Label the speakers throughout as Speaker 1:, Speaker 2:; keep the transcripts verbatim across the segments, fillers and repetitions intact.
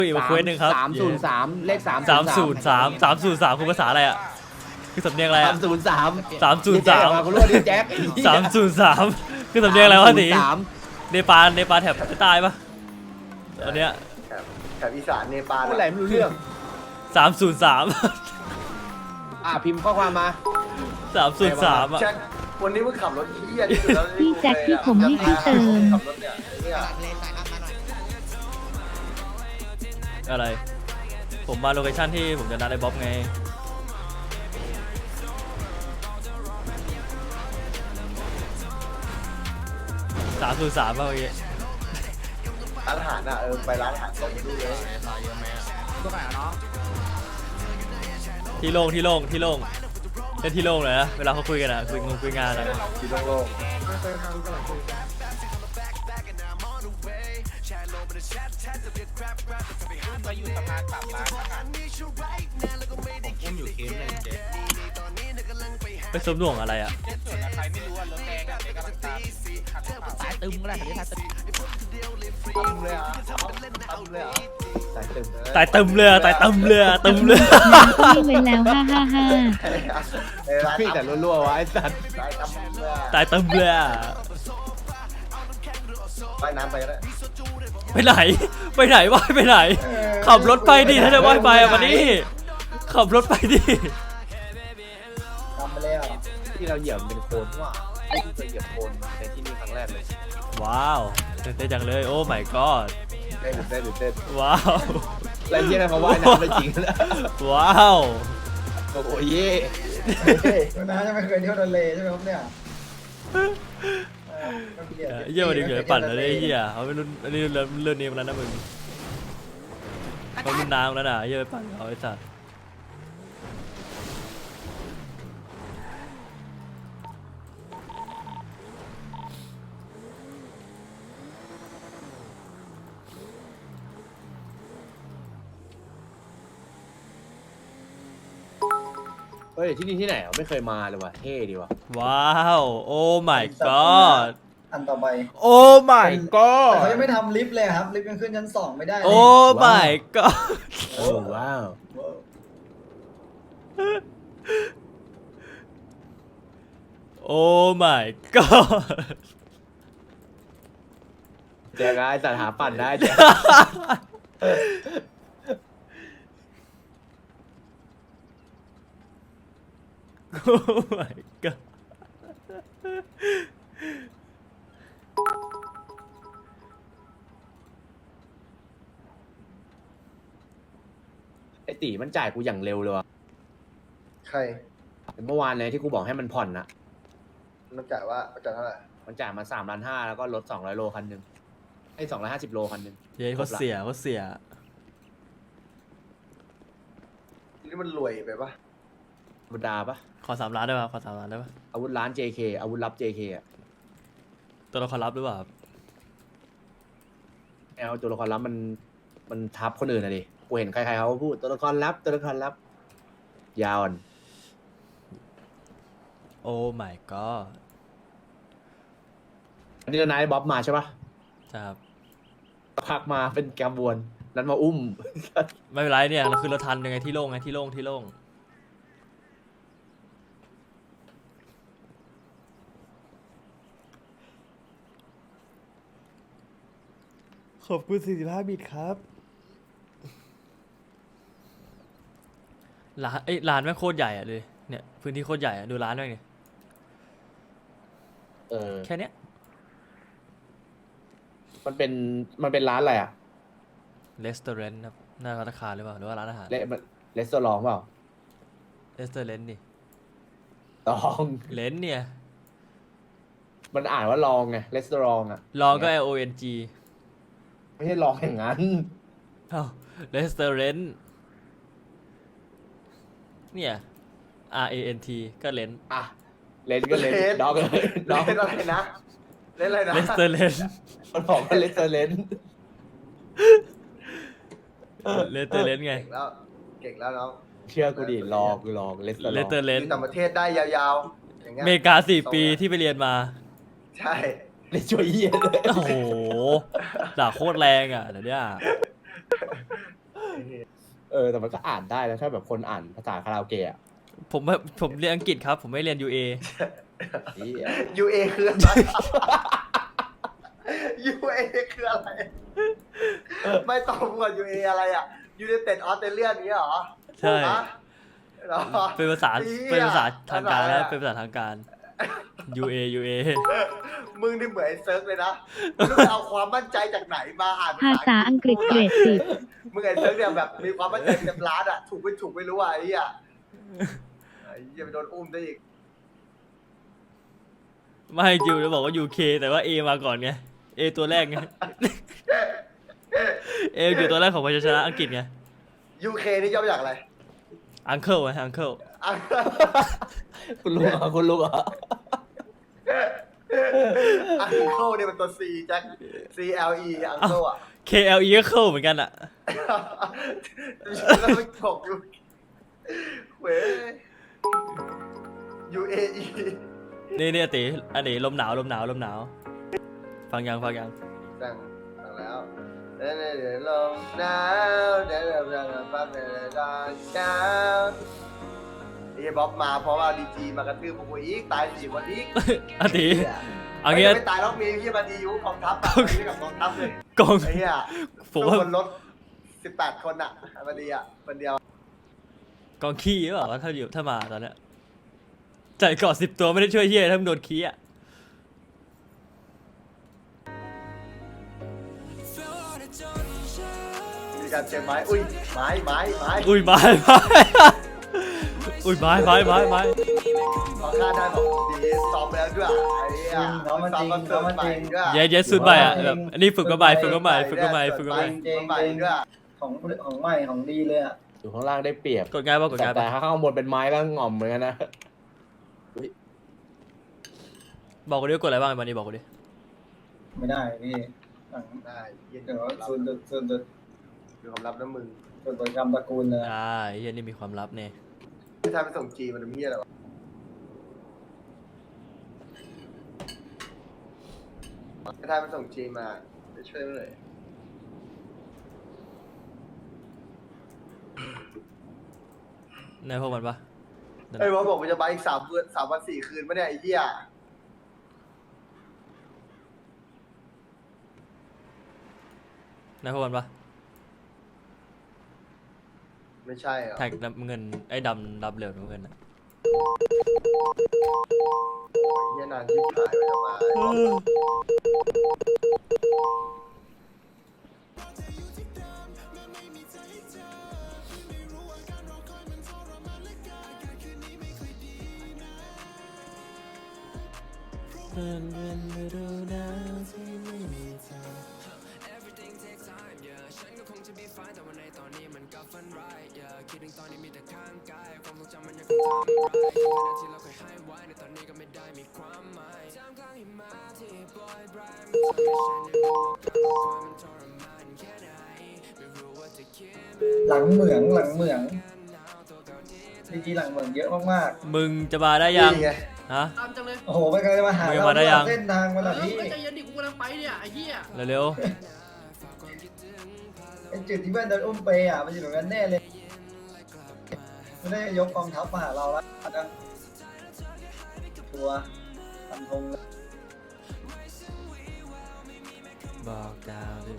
Speaker 1: อีกมาเควสหนึ่งครับ
Speaker 2: สามศูนย์สามเลขสาม
Speaker 1: สามศูนย์สามสามศูนย์สามคือภาษาอะไรอ่ะคือสำเนียงอะไร
Speaker 2: สา
Speaker 1: อ่ะ
Speaker 2: มศูนย์สาม
Speaker 1: สามศูนย์สาม
Speaker 2: มาคุณรู้ดิแจ็ค
Speaker 1: สามศูนย์สามคือสำเนียงอะไรวะสี
Speaker 2: สาม
Speaker 1: เนปาลเนปาลแถบใต้ปะอันเนี้ย
Speaker 3: แถบแถบอีสานเนปาล
Speaker 2: พูดอะไรไม่รู้เรื่อง
Speaker 1: สามศูนย์สาม
Speaker 2: อ่ะพิมพ์ข้อความมา
Speaker 1: สามศูนย์สามอ่ะ
Speaker 3: แจ็ควันนี้มึงขับรถเที่ยที่สุดแล้ว
Speaker 4: พี่แจ็คที่ผมให้พี่เติม
Speaker 3: ขับรถเนี่ยเนี่ย
Speaker 1: อะไรผมมาโลเคชั่นที่ผมจะนัดไอ้บ๊อบไงสามศูนย์สามป่ะเมื่อกี้
Speaker 3: ร้านอาหารอ่ะเออไปร้านอาหารตรงนี้เลย
Speaker 1: ที่โล่งที่โล่งที่โล่งเล่นที่โล่งเลยนะเวลาเขาคุยกันอ่ะคุยงงคุยงานอ่ะ
Speaker 3: ที่โล่ง
Speaker 5: มาอยู่สะพานปากร้านอาหารผมอุ้มอยู่เคสหนึ่งเจ๊
Speaker 1: ไปสมหน่วงอะไรอ่ะ
Speaker 5: เจ๊ส่วนใครไม่รู้ว่ารถแดงอะเจ๊กำลังตามขับรถ
Speaker 6: สายตึมก็ได้คันนี้สายตึม
Speaker 3: ๆตึมเลยอ่ะตึมเลยอ่ะ
Speaker 2: สายตึม
Speaker 1: ตายตึมเลยอะตายตึมเลยอะตึมเลย
Speaker 4: พี่ไว้แล้วห้าห้าห้า
Speaker 3: เออร้าน
Speaker 2: พี่แต่รัวๆวะไอ้สัตว์
Speaker 3: ร้านตำเลย
Speaker 1: ตายตึมเลยอะ
Speaker 3: ว่ายน้ำไปก็ได้
Speaker 1: ไปไหนไปไหนวะไปไหน ขับรถไปดิถ้าจะว่ายไปอะวันนี้ขับรถไปดิ
Speaker 3: ตำไปแล้ว
Speaker 2: ที่เราเหยียบมันเป็นโคลนว่ะไม่เคยเหยียบโคลนในที่นี่ครั้งแรกเลย
Speaker 1: ว้าวตื่นเต้นจังเลยโอ้ my god
Speaker 3: เต้นเต้นเต้น
Speaker 1: ว้าว
Speaker 2: แล้วที่นั่นเขาว่ายน้ำได้จริงนะ
Speaker 1: ว้าว
Speaker 2: โอ้โหเย่
Speaker 7: น้าจะไม่เคยเที่ยวทะเลใช่ไหมครับเนี่ย
Speaker 1: เยี่ยมดิเหนื่อยปั่นแล้วเนี่ยเฮียเขาไม่รุ่นอันนี้เรื่องเรื่องนี้มาแล้วนะมึงเขารุ่นน้ำแล้วนะเยี่ยไปปั่นเขาไอ้สัส
Speaker 2: เฮ้ยที่นี่ที่ไหนอ่ะไม่เคยมาเลยว่ะเท่ดีว่ะ
Speaker 1: ว้าวโอ้ my god
Speaker 7: อันต่อไป
Speaker 1: โอ้ my
Speaker 7: แต่
Speaker 1: god
Speaker 7: เขายังไม่ทำลิฟต์เลยครับ ลิฟต์ยังขึ้นชั้นสองไม่ได้เลย
Speaker 1: โอ้ my god
Speaker 2: โอ้ว้าว
Speaker 1: โอ้ my god
Speaker 2: แจ็คไอ้สัตว์หาปั่นได้แจ็ค
Speaker 1: โอ้ my god
Speaker 2: ไอ้ตีมันจ่ายกูอย่างเร็วเลยว่ะ
Speaker 3: ใคร
Speaker 2: เมื่อวานเลยที่กูบอกให้มันผ่อนนะ
Speaker 3: มันจ่ายว่าจ่ายเท่าไหร่
Speaker 2: มันจ่ายมาสามล้านห้าแล้วก็ลดสองร้อยโลคันหนึ่งไอ้สองร้อยห้าสิบโลคันหนึ่ง
Speaker 1: เย้เขาเสียเขาเสีย
Speaker 3: นี่มันรวยไปปะ
Speaker 2: ธรรมดาปะ
Speaker 1: ขอสามล้านได้ป่ะขอสามล้านได้ป่ะ
Speaker 2: อาวุธร้าน เจ เค อาวุธลับ เจ เค อ่ะ
Speaker 1: ตัวเราขอรับหรือเปล่าครับ
Speaker 2: แอลตัวละครลับมันมันทับคนอื่นนะดิกูเห็นใครๆเขาพูดตัวละครลับตัวละครลับ ยาวอ่อน
Speaker 1: โอ้ my god
Speaker 2: อันนี้นายบ๊อบมาใช่ปะ
Speaker 1: ครับ
Speaker 2: พักมาเป็นกระบวนนั้นมาอุ้ม
Speaker 1: ไม่เป็นไรเนี่ยเราคือเราทันยังไงที่โล่งไงที่โล่งที่โล่งขอบคุณสี่สิบห้าบิตครับร้านเอ้ยร้านแม่งโคตรใหญ่อะเลยเนี่ยพื้นที่โคตรใหญ่อะดูร้านแม่งดิ
Speaker 2: เออ
Speaker 1: แค่เนี้ย
Speaker 2: มันเป็นมันเป็นร้านอะไรอ่ะ
Speaker 1: เลสเตอร์เรนต์ครับหน้าธนาคารหรือเปล่าหรือว่าร้านอาหาร
Speaker 2: เลเลสโตรองเปล่า
Speaker 1: เลสเตอร์เรนต์ดิ
Speaker 2: ลอง
Speaker 1: เลนเนี่ย
Speaker 2: มันอ่านว่าลองไงเลสโตรองอ่ะ
Speaker 1: ลองก็ L O N G
Speaker 2: ไม่ใช่ลองอย่างนั้น
Speaker 1: เอ้าเลสเตอร์เรนต์เนี่ย R A N T ก็เลน
Speaker 2: อ่ะเลนก็เลนด็อกเลย
Speaker 3: เล่
Speaker 2: ด็อก
Speaker 3: นอะไรนะ เล่นอะไรนะ
Speaker 1: เลสเตอร์เรนต์
Speaker 2: มันบอกว่าเลสเตอร์เลน
Speaker 1: เลสเตอร์เรนต์ไง
Speaker 3: เก่งแล้ว เก่งแล้วน้อง
Speaker 2: เชื่อกูดิลองกูลองเลสเตอร์
Speaker 1: เลสเตอร์เร
Speaker 3: อน ยู่
Speaker 1: ต์
Speaker 3: ต่างประเทศได้ยาวๆอย่างเงี้ย
Speaker 1: อเมริกาสี่ปีที่ไปเรียนมา
Speaker 3: ใช่
Speaker 2: เลสช่วยเยี่ยเลย
Speaker 1: โอ้โหด่าโคตรแรงอ่ะเดี๋ยวเนี้ย
Speaker 2: เออแต่มันก็อ่านได้นะถ้าแบบคนอ่านภาษาคาราโอเกะอะ
Speaker 1: ผมผมเรียนอังกฤษครับ ผมไม่เรียน ยู เอ
Speaker 2: เหี้ย
Speaker 3: ยูเอคืออะไรยูเอคืออะไร ไม่ตรงกับยูเออะไรอ่ะยูไนเต็ดออสเตรเลียนี้เหรอ
Speaker 1: ใช่
Speaker 3: ฮะเหรอ
Speaker 1: เป็นภาษา
Speaker 3: เหี้ย
Speaker 1: เป็นภาษาทางการ
Speaker 3: อะไร
Speaker 1: นะ
Speaker 3: อะ
Speaker 1: เป็นภาษาทางการ ยู เอ ยู เอ
Speaker 3: มึงนี่เหมือนไอ้เซิร์ฟเลยนะมึงไปเอาความมั่นใจจากไหนมาอ่าน
Speaker 4: ภาษาอังกฤษเกรดสิบ
Speaker 3: มึงไอ้เซิร์ฟเนี่ยแบบมีความมั่นใจเต็มล้านอ่ะถูกไม่ถูกไม่รู้อ่ะไอ้เหี้ยไอ้เหี้ยไปโดนอุ้มได้อีก
Speaker 1: ไม่จิวจะบอกว่า ยู เค แต่ว่า A มาก่อนไง A ตัวแรกไง A อยู่ตัวแรกของพยัญชนะอังกฤษไง
Speaker 3: ยูเคนี่ย่อมาจากอะไร
Speaker 1: uncle ไง uncle
Speaker 3: อ่ะ
Speaker 2: คุณรู้เหรอคุณรู้เหรอ
Speaker 3: อังเคิลเนี่ยมันตัว C แจ็ค C L E อังเคิลอ่ะ
Speaker 1: K L E ก็เข้าเหมือนกันอะ
Speaker 3: แล้วมันถกอยู่เว้ย U A E
Speaker 1: นี่นี่ติอันนี้ลมหนาวลมหนาวลมหนาว ฟังยังฟังยัง
Speaker 3: สั่งสั่งแล้วเดี๋ยวเดี๋ยวลงหนาวเดี๋ยวเดี๋ยวเดี๋ยวปั๊บเดี๋ยวเดี๋ยวตอนเช้าไอ้บ๊อบมาเพราะว่าดีจีมากระทืบพวกกูอีกตายสี่คนอีก
Speaker 1: อันนี้เอางี้
Speaker 3: ไม่ตายแล้วมีที่มาดีอยู่กองทัพอะไม่กับกองทัพเลย
Speaker 1: กอง
Speaker 3: ไอ้เหี้ย
Speaker 1: ผมว่า
Speaker 3: บนรถสิบแปดคนอะมาดีอะคนเดียว
Speaker 1: กองขี้หรือเปล่าถ้าอยู่ถ้ามาตอนเนี้ยจ่ายเกาะสิบตัวไม่ได้ช่วยเฮียถ้ามึงโดนขี้อ่ะ
Speaker 3: มีการเจอไม้อุ้ยไม้ไม้ไม้
Speaker 1: อุ้ยไม้ไม้อุ้ยไม้ไม้ไม้ไม้
Speaker 3: พอฆ่าได้บอกดีซ้อมแล้วด้วยไอ้เหี้ย
Speaker 7: น้องมันจริงน้องมันจริง
Speaker 3: ด้วย
Speaker 1: เย้เย้สุดใบอ่ะแบบอันนี้ฝึกก็ใบฝึกก็ใบฝึกก็ใบฝึกก็ใบ
Speaker 7: จริง
Speaker 3: ไปด้วย
Speaker 7: ของของใหม่ของดีเลยอ่ะ
Speaker 2: อยู่ข้างล่างได้เปรียบ
Speaker 1: กดง่ายป่ะกด
Speaker 2: แต่
Speaker 1: ง่าย
Speaker 2: แต่
Speaker 1: ป่ะ
Speaker 2: ถ้าข้างบนเป็นไม้ก็ง่อมเหมือนกันนะ
Speaker 1: บอกกูดิว่ากดอะไรบ้างวันนี้บอกกูดิ
Speaker 7: ไม่ได้พี่หลัง
Speaker 3: ได้เย็น
Speaker 7: เดี๋ยวส่วนจุดส่วนจุด
Speaker 3: ดูความลับนะมึง
Speaker 7: ส่วนจุดกรรมตระกูลเลย
Speaker 1: อ่าไอ้เฮียนี่มีความลับเนี่ย
Speaker 3: ไม่ทำไปส่งจีมันเป็นเหี้ยอะไรวะไม่ทำไปส่งจีมาจะช่วยไม่เลย
Speaker 1: ในพวกมันปะ
Speaker 3: ไอ้บอสบอกมันจะไปอีกสามวันสามวันสี่คืนปะเนี่ยไอ้เหี้ย
Speaker 1: ในพวกมันปะ
Speaker 3: ไม่ใช่เหรอ
Speaker 1: แท็กเงินไอ้ดำรับเร็วเงินอะ
Speaker 3: เหี้ยนานที่หายไปจะมาไอ้บอส
Speaker 7: หลังเหมืองหลังเหมืองดีจีหลังเหมืองเยอะมาก
Speaker 1: มึงจะมาได้ยัง
Speaker 3: นี่ไง
Speaker 1: ฮะ
Speaker 5: ตามจังเลย
Speaker 7: ๆโอ้โหไม่เคยมาหา
Speaker 1: มึง
Speaker 7: เรา
Speaker 1: มาได้ยัง
Speaker 7: เส้นทางมาแบบ
Speaker 5: เอ
Speaker 7: นี้
Speaker 5: อใจเย็นดิกูกำลังไปเนี่ยไอ้เหี้ย
Speaker 1: เร็ว
Speaker 7: ไอ้จุดที่เพื่อนโดนอุ้มไปอ่ะมันอยู่ตรงนั้นแน่เลยไม่ได้ยกกองทัพมาหาเราแล้วนะตัวฟันธงเลย
Speaker 1: ๆบอกดาวดิ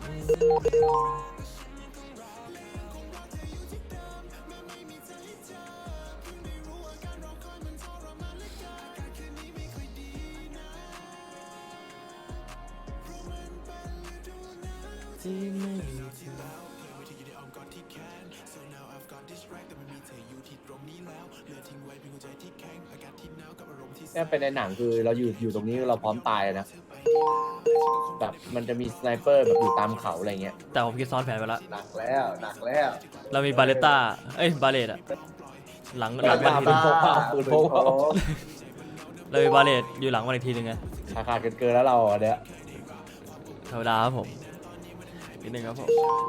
Speaker 2: เนี่ยเป็นในหนังคือเราอยู่อยู่ตรงนี้เราพร้อมตายเลยนะแบบมันจะมีสไนเปอร์แบบอยู่ตามเขาอะไรเงี้ย
Speaker 1: แต่ผมคิดซ้อนแผนไปแล้ว
Speaker 3: หนักแล้วหนักแล้ว
Speaker 1: เรามีบาเลต้าเอ้ยบาเลตอะหลังหลัง
Speaker 2: บา
Speaker 1: วัน
Speaker 2: เล
Speaker 1: ที
Speaker 2: ต้า
Speaker 1: นึง
Speaker 2: ปืนพก
Speaker 1: เรามีบาเลตอยู่หลังวันอีกทีนึงไง
Speaker 2: ราคาเกินเกินแล้วเราอ่ะเนี่ย
Speaker 1: ธรรมดาครับผมนิดนึงครับผม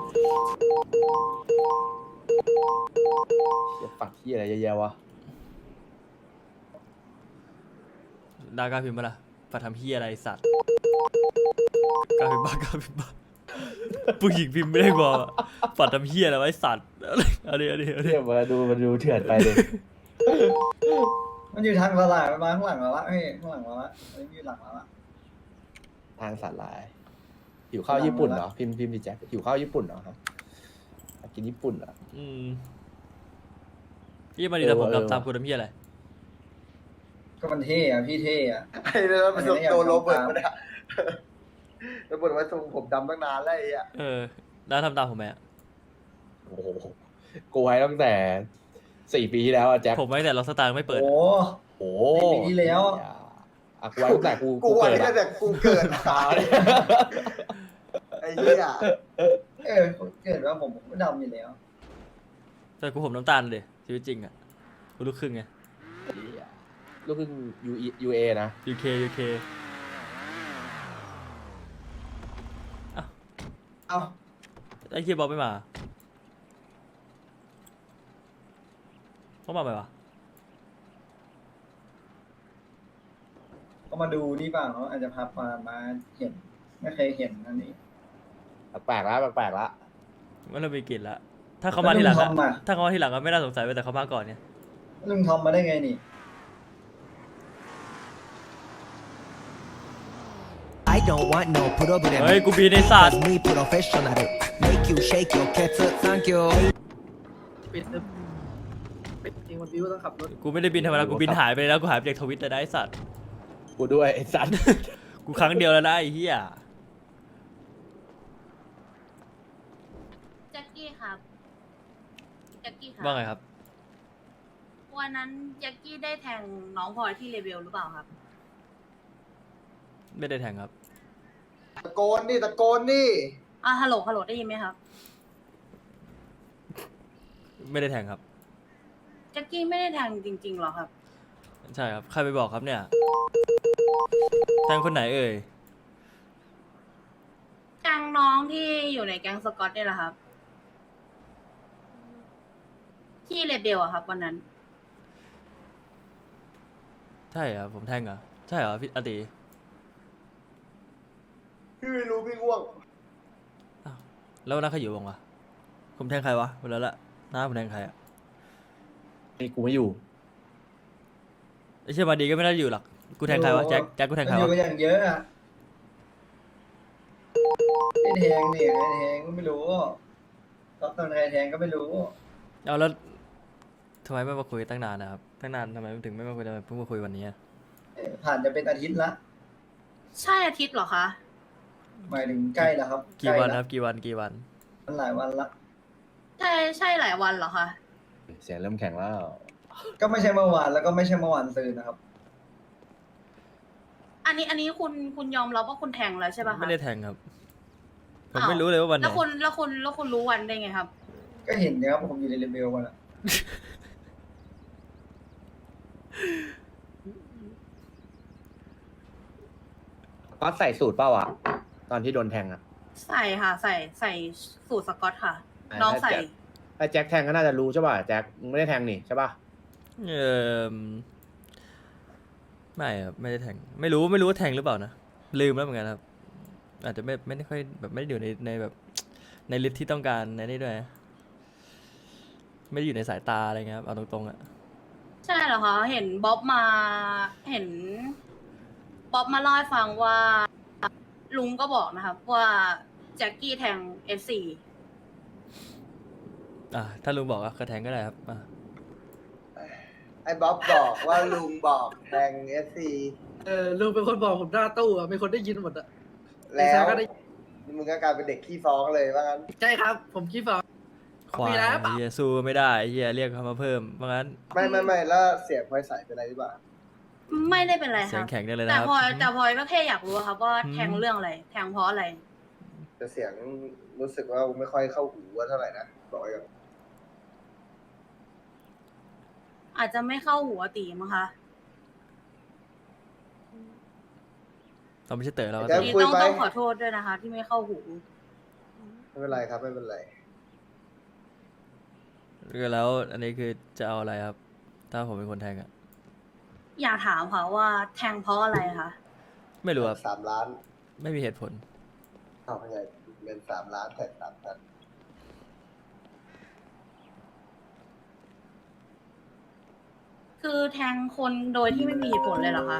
Speaker 2: จะปักที่อะไรเยอะแยะวะ
Speaker 1: ดากล้าพิมพ์มาล่ะฝากทำเฮียอะไรสัตว์กล้าพิมพ์บ้ากล้าพิมพ์บ้าผู้หญิงพิมพ์ไม่ได้บอกอะฝัดทำเฮียอะไรไว้สัตว์เอาดิเอาดิเอาดิ
Speaker 2: เทียบมาดูมันดูเถื่อนไปเลย
Speaker 7: มันอยู่ทางตลาดมันมาข้างหลังเราละเฮ้ยข้างหลังเราละอันนี้อยู่หลังเราละ
Speaker 2: ทางสาลายหิวข้าวญี่ปุ่นเหรอพิมพ์พิมพ์ดิแจ็คหิวข้าวญี่ปุ่นเหรอครับอยากกินญี่ปุ่นเหรอ
Speaker 1: อืมยี่มาดีแต่ผมทำตามคุณทำเฮียอะไร
Speaker 7: ก็มันเท่อะพี่เท่อะ
Speaker 3: ไอ้เนี่ยมันส่งตัวโรเบิร์ตมาเนี่ยโรเบิร์ตไว้ทรงผมดำตั้งนานแล้วไอ้อะ
Speaker 1: เออแล้วทำตามผมไหมอะ
Speaker 2: โอ้โหกูไว้ตั้งแต่สี่ปีที่แล้วอะแจ็ค
Speaker 1: ผมไม่แต่ล็อกสตาร์ไม่เปิด
Speaker 7: โอ้
Speaker 1: อะ
Speaker 2: โอ้
Speaker 7: สี่ปีที่แล้ว
Speaker 2: อ่ะกูไว้ตั้งแต่กู
Speaker 3: กูไว้
Speaker 2: เกิด
Speaker 3: ตั้ง
Speaker 2: อะ
Speaker 3: แต่กูเกิด
Speaker 2: ตาเนี่ย
Speaker 3: ไอ้เหี้ย
Speaker 7: เออเกิดว่าผมผมก็ดำอยู่แล้ว
Speaker 1: แต่กูผมน้ำตาลเลยชีวิตจริงอ่ะกูลูกครึ่งไง
Speaker 2: ลูกครึ่งยูยูเอนะ
Speaker 1: ยูเคยูเค
Speaker 7: เอ้า
Speaker 1: ไอ้เคียบอลไม่มาเขามาไหมวะ
Speaker 7: ก็มาดูนี่เปล่าเขาอาจจะพามามาเห็น ไม่เคยเห็นอันนี้
Speaker 2: แปลกๆแล้วแปลกๆแล้ว
Speaker 1: มันเริ่มมีกลิ่นละถ้าเขามาทีหลัง
Speaker 7: แล้ว
Speaker 1: อะ
Speaker 7: ลุงทอมอะ
Speaker 1: ถ้าเขามาทีหลังก็ไม่น่าสงสัยไปแต่เขามาก่อนเนี่ย
Speaker 7: ลุงทอมมาได้ไงนี่
Speaker 6: I don't want no problem.
Speaker 1: เฮ้ยกูบีในศาสตร์
Speaker 6: Cause me professional. Make you shake your cats. Thank you.
Speaker 8: ปิดปิดจริงวันบิวต้องขับรถ
Speaker 1: กูไม่ได้บินธรรมดากูบินหายไปแล้วกูหายไปจากทวิตเลยนะไอ้สัตว์
Speaker 2: กูด้วยไอ้สัตว์
Speaker 1: กูครั้งเดียวแล้วนะไอ้เหี้ย
Speaker 9: แจ็คกี้ครับแจ็คกี้ครับ
Speaker 1: ว่าไงครับ
Speaker 9: วันนั้นแจ็คกี้ได้แทงน้องพลอยที่เลเวลหรือเปล่าครับ
Speaker 1: ไม่ได้แทงครับ
Speaker 3: ตะโกนดิตะโกนดิ
Speaker 9: อ่ะฮัลโหลฮัลโหลได้ยินไหมครับ
Speaker 1: ไม่ได้แทงครับ
Speaker 9: แจ็คกี้ไม่ได้แทงจริงๆหรอครับ
Speaker 1: ใช่ครับใครไปบอกครับเนี่ยแทงคนไหนเอ่ย
Speaker 9: แทงน้องที่อยู่ในแก๊งสกอตเนี่ยแหละครับ ที่เลเบลอะครับ วันนั้น
Speaker 1: ใช่ครับผมแทงเหรอใช่เหรอพี่อติ
Speaker 3: พี่ไม่รู้พี่ง่วง
Speaker 1: อ้าวแล้ววันนั้นใครอยู่บ้างวะผมแทงใครวะวันนั้นละน้าผมแทงใครอะ
Speaker 2: นี่กูไม่อยู่
Speaker 1: ไอ้เชี่ยมาดีก็ไม่น่าจะอยู่หรอกกูแทงใครวะแจ็คแจ็คกูแทงใคร
Speaker 7: มันอ
Speaker 1: วะ
Speaker 7: ยู่อย่างเยอะอะไอ้แทงเนี่ยไอ้แทงก็ไม่รู้ก็ตอนใครแทงก็ไม่รู้
Speaker 1: เอาแล้วทำไมไม่มาคุยตั้งนานนะครับตั้งนานทำไมถึงไม่มาคุยทำไมเพิ่งมาคุยวันนี้อะ
Speaker 7: เอ่อผ่านจะเป็นอาทิตย์ละ
Speaker 9: ใช่อาทิตย์เหรอคะ
Speaker 7: หมายถึงใกล้แล้วครับ
Speaker 1: กี่วัน
Speaker 7: ใล้
Speaker 1: ค
Speaker 7: ละ
Speaker 1: รับกี่วันกี่วัน
Speaker 7: มันหลายวันละ
Speaker 9: ใช่ใช่หลายวันเหรอคะ
Speaker 2: เสียงเริ่มแข็งแล้ว
Speaker 7: ก็ไม่ใช่เมื่อวานแล้วก็ไม่ใช่เมื่อวานซืนนะครับ
Speaker 9: อันนี้อันนี้คุณคุณยอมรับว่าคุณแทงแล้วใช่ป่ะคะ
Speaker 1: ไม่ได้แทงครับ ผม
Speaker 9: อ้าว
Speaker 1: ไม่รู้เลยว่าวันไหน
Speaker 9: แล้วคุณแล้วคุณแล้วคุณรู้วันได้ไงครับ
Speaker 7: ก็เห็นนะครับผมอยู่ในเลเวลวันละ
Speaker 2: ก็ใส่สูตรเปล่าอ่ะตอนที่โดนแทงอ่ะ
Speaker 9: ใส่ค่ะ ใส่ใส่สูตรสกอตค่ะ
Speaker 2: อ่า
Speaker 9: น้องใส่
Speaker 2: ถ้าแจ็คถ้าแจ็คแทงก็น่าจะรู้ใช่ป่ะแจ็คมึงไม่ได้แทงนี่ใช่ป่ะ
Speaker 1: เออไม่ครับไม่ได้แทงไม่รู้ไม่รู้ว่าแทงหรือเปล่านะลืมแล้วเหมือนกันครับ อาจจะไม่ไม่ได้ค่อยแบบไม่ได้อยู่ในในแบบ ในลิสต์ที่ต้องการในนี้ด้วยนะไม่ได้อยู่ในสายตาอะไรเงี้ยครับเอาตรงๆอ่ะ
Speaker 9: ใช่เหรอคะเห็นบ๊อบมาเห็นบ๊อบมาเล่าให้ฟังว่า ลุงก็บอกนะครับ ว่าแจ็คกี้แทงเอฟซี
Speaker 1: อ่ะถ้าลุงบอกอะก็แทงก็ได้ครับอ่ะ
Speaker 3: ไอ้บ๊อบบอกว่าลุงบอกแทงเอสซี
Speaker 8: เออลุงเป็นคนบอกผมหน้าตู้อะมีคนได้ยินหมดอะ
Speaker 3: แล้ว
Speaker 8: ไอ้แซมก็ได้
Speaker 3: มึงก็กลายเป็นเด็กขี้ฟ้องเลยว่างั้น
Speaker 8: ใช่ครับ ผมคิดว่า
Speaker 1: ควาย
Speaker 8: มีแล้ว
Speaker 1: ไอ้เฮียสู้ไม่ได้ไอ้เฮียเรียกเขามาเพิ่มเพราะงั้น
Speaker 3: ไม่ไม่ไม่แล้วเสียงพลอยใสเป็นอะไรหรือเปล่า
Speaker 9: ไม่ได้เป็นไรค
Speaker 1: เสีย
Speaker 9: รั
Speaker 1: ง
Speaker 9: บ
Speaker 1: แข็งได้เลย
Speaker 9: แต่
Speaker 1: นะครับ
Speaker 9: พลอยแต่พลอยก็แค่อยากรู้ครับว่า
Speaker 1: อืม
Speaker 9: แทงเรื่องอะไร แทงเพราะอะไร
Speaker 3: แต่เสียงรู้สึกว่าไม่ค่อยเข้าหูว่าเท่าไหร่นะบอกไว้ก่อน
Speaker 9: อาจจะไม่เข้าหัวตีมั้งคะ
Speaker 1: เราไม่ใช่เต๋อเราก็
Speaker 3: แจ็ค
Speaker 9: นี่
Speaker 3: คุย
Speaker 9: ต้อง
Speaker 3: ไหม
Speaker 9: ต้องขอโทษด้วยนะคะ ที่ไม่เข้าหู
Speaker 3: ไม่เป็นไรครับไม่เป็นไร
Speaker 1: แล้วอันนี้คือจะเอาอะไรครับ ถ้าผมเป็นคนแทงอะ
Speaker 9: อยากถามค่ะว่าแทงเพราะอะไรคะ
Speaker 1: ไม่รู้ครับ
Speaker 3: สามล้าน
Speaker 1: ไม่มีเหตุผล
Speaker 3: เอาไงเงินสามล้านแท็กสามพัน
Speaker 9: คือแทงคนโดยที่ไม่มีเหตุผลเลยเหรอคะ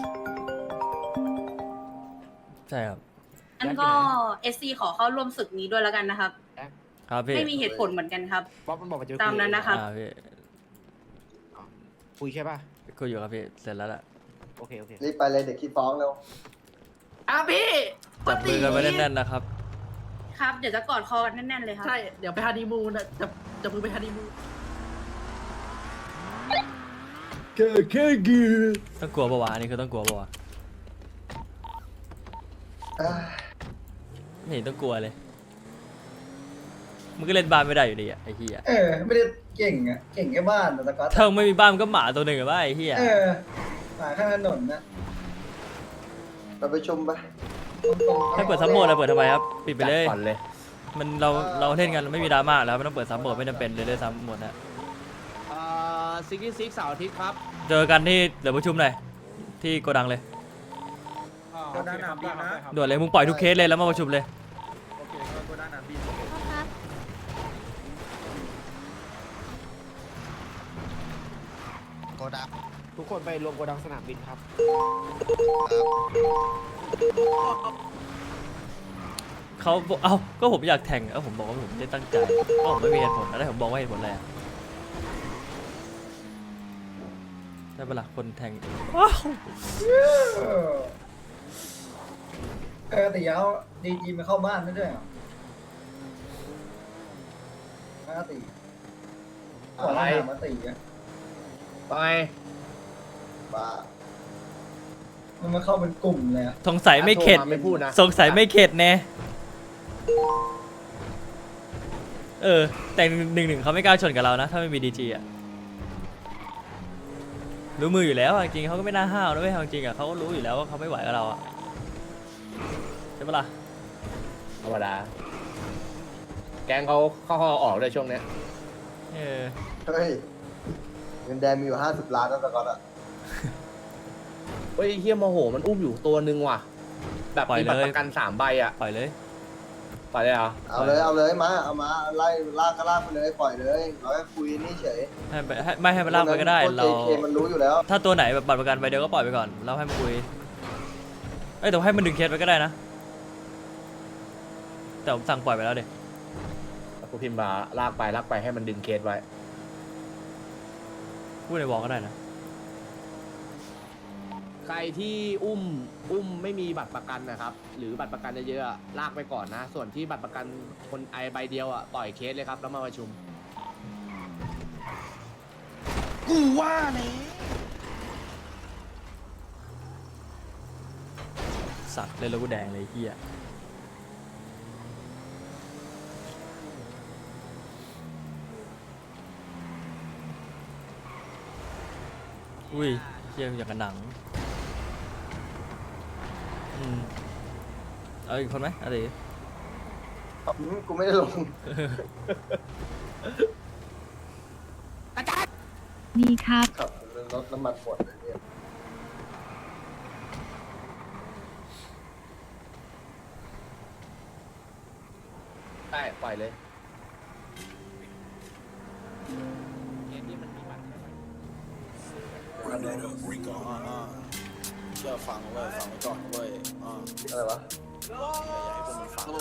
Speaker 1: ใช่ครับ
Speaker 9: อันก็เอสซีขอเข้าร่วมศึกนี้ด้วยแล้วกันนะครับ
Speaker 1: ครับพี่
Speaker 9: ไม่มีเหตุผลเหมือนกันครับ
Speaker 5: บ๊อบมันบอกว่าจะ
Speaker 9: ตามนั้นนะครับ
Speaker 1: อ่าพี่
Speaker 5: คุยใช่ป่ะ
Speaker 1: คุยอยู่ครับพี่เสร็จแล้วล่ะ
Speaker 5: โอเคโอเค
Speaker 3: รีบไปเลยเด็กขี้ฟ้องเร็ว
Speaker 8: อ่ะพี่
Speaker 1: จับมือกันไว้แน่นๆนะครับ
Speaker 9: ครับ เดี๋ยวจะกอดคอกันแน่นๆเลยครับ
Speaker 8: ใช่เดี๋ยวไปฮันนีมูนนะจะจะมือไปฮันนีมูน
Speaker 1: ต้องกลัวปะวะอันนี้คือต้องกลัวปะวะ
Speaker 3: อ่า
Speaker 1: ไม่เห็นต้องกลัวเลยมึงก็เล่นบ้านไม่ได้อยู่ดีอะไอ้เหี้ย
Speaker 7: เออ ไม่ได้เก่งอ่ะ เก่งแค่บ้านแต่ตะก๊อต
Speaker 1: ถ้ามึงไม่มีบ้านมึงก็หมาตัวหนึ่งอะว่าไอ้เหี้ย
Speaker 7: เออหมาข้างถนนนะ
Speaker 3: เราไปชมไป
Speaker 7: ตรงๆ
Speaker 1: ให้เปิดซับโหมดอะเปิดทำไมครับปิดไปเลย
Speaker 2: จัดก่อนเลย
Speaker 1: มันเราเราเล่นกันไม่มีดราม่าแล้วไม่ต้องเปิดซับโหมดไม่จำเป็นเลยเลยซับโหมดนะ
Speaker 5: อ่าซิกกี้ซิกเสาร์อาทิตย์ครับ
Speaker 1: เจอกันที่เดี๋ยวประชุมหน่อยที่โกดังเลย
Speaker 5: โกดังน้ำดีนะ
Speaker 1: ด่วนเลยมึงปล่อยทุกเคสเลยแล้วมาประชุมเลย
Speaker 5: โอเคโกดังน้ำดีโกดังทุกคนไปรวมโกดังสนามบินครับ
Speaker 1: เขาบอกเอ้าก็ผมอยากแข่งเอ้าผมบอกว่าผมไม่ได้ตั้งใจก็ผมไม่มีเหตุผลแล้วผมบอกว่าเหตุผลอะไรอะได้เวลาคนแทงว้าว
Speaker 7: เออเออแต่ยาวดีจีมาเข้าบ้านได้ด้วยเหรอมาตีก่อนหน้ามาตีอ่ะ
Speaker 2: ไป
Speaker 3: บ้า
Speaker 7: มันมาเข้าเป็นกลุ่มเลยอ่ะ
Speaker 1: สงสัยไม่เข็ด
Speaker 2: โทรมาไม่พูดนะ
Speaker 1: สงสัยไม่เข็ดแน่เออ แต่หนึ่งหนึ่งเขาไม่กล้าชนกับเรานะ ถ้าไม่มีดีจีอ่ะรู้มืออยู่แล้วอะจริงๆเขาก็ไม่น่าห้าวนะเว้ยเอาจริงอ่ะเขาก็รู้อยู่แล้วว่าเขาไม่ไหวกับเราอ่ะใช่ปะล่ะ
Speaker 2: ธรรมดา แกงเขาเข้าๆออกเลยช่วงเนี้ย
Speaker 1: เออ
Speaker 3: เฮ้ยเงินแดงมีอยู่ห้าสิบล้านแล้วตะก๊อตอ่ะ
Speaker 2: เฮ้ยเฮียโมโหมันอุ้มอยู่ตัวนึงว่ะ แบบ
Speaker 1: ปล่อย
Speaker 2: มีบัต
Speaker 1: เล
Speaker 2: ร
Speaker 1: ย
Speaker 2: ประกันสามใบอ่ะ
Speaker 1: ปล่อยเลย
Speaker 2: ปล่อยเลยเหรอ
Speaker 3: เอาเลยเอาเลยมาเอามาไล่ลากก็ลากไปเลยปล่อยเลยเราแค่คุยนี่เฉย
Speaker 1: ให้ไปให้ไม่ให้มันลากไปก็ได้
Speaker 3: พว
Speaker 1: เรา
Speaker 3: จเคมันรู้อยู่แล้ว
Speaker 1: ถ้าตัวไหนแบบบัตรประกันใบเดียวก็ปล่อยไปก่อนแล้วให้มันคุยเอ้ยแต่ให้มันดึงเคสไปก็ได้นะแต่ผมสั่งปล่อยไปแล้วเด็
Speaker 2: กูพิมพ์มาลากไปลากไปให้มันดึงเคสไว้
Speaker 1: พูดในวอลก็ได้นะ
Speaker 5: ใครที่อุ้มอุ้มไม่มีบัตรประกันนะครับ หรือบัตรประกันเยอะๆอะลากไปก่อนนะ ส่วนที่บัตรประกันคนไอใบเดียวอ่ะปล่อยเคสเลยครับแล้วมาประชุม กูว่าเนี่ย
Speaker 1: สัตว์เลยแล้วกูแดงเลยเฮียอุ้ยเฮียอย่างกับหนังอืมเอาอีกคนไหมอะไร
Speaker 3: อืมกูไม่ได้ลง
Speaker 4: ดีครับ
Speaker 3: ขับรถน้ำมันหมดเลยเนี่ย
Speaker 2: ได้ปล่อยเลย
Speaker 5: เคสนี้มันมีบัตร
Speaker 10: เชื่อฟังเว้ยฟังไว้ก่อนเว้ยอ่า
Speaker 3: อะไรวะ
Speaker 10: อย่าให้พวกมึงฟัง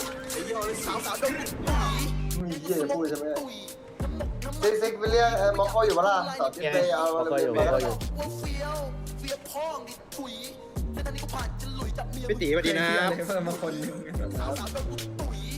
Speaker 3: มีเยี่ยจะพูดใช่ไหมซิกซิกไปเรียกเอ่อมอคออยู่ปะล่ะสาวที่ไปเอา
Speaker 2: มอคออยู่
Speaker 3: เร็วๆ
Speaker 2: มอคออยู่
Speaker 5: พี่ตีสวัสดีนะ
Speaker 7: เพิ่มมาคนหนึ่ง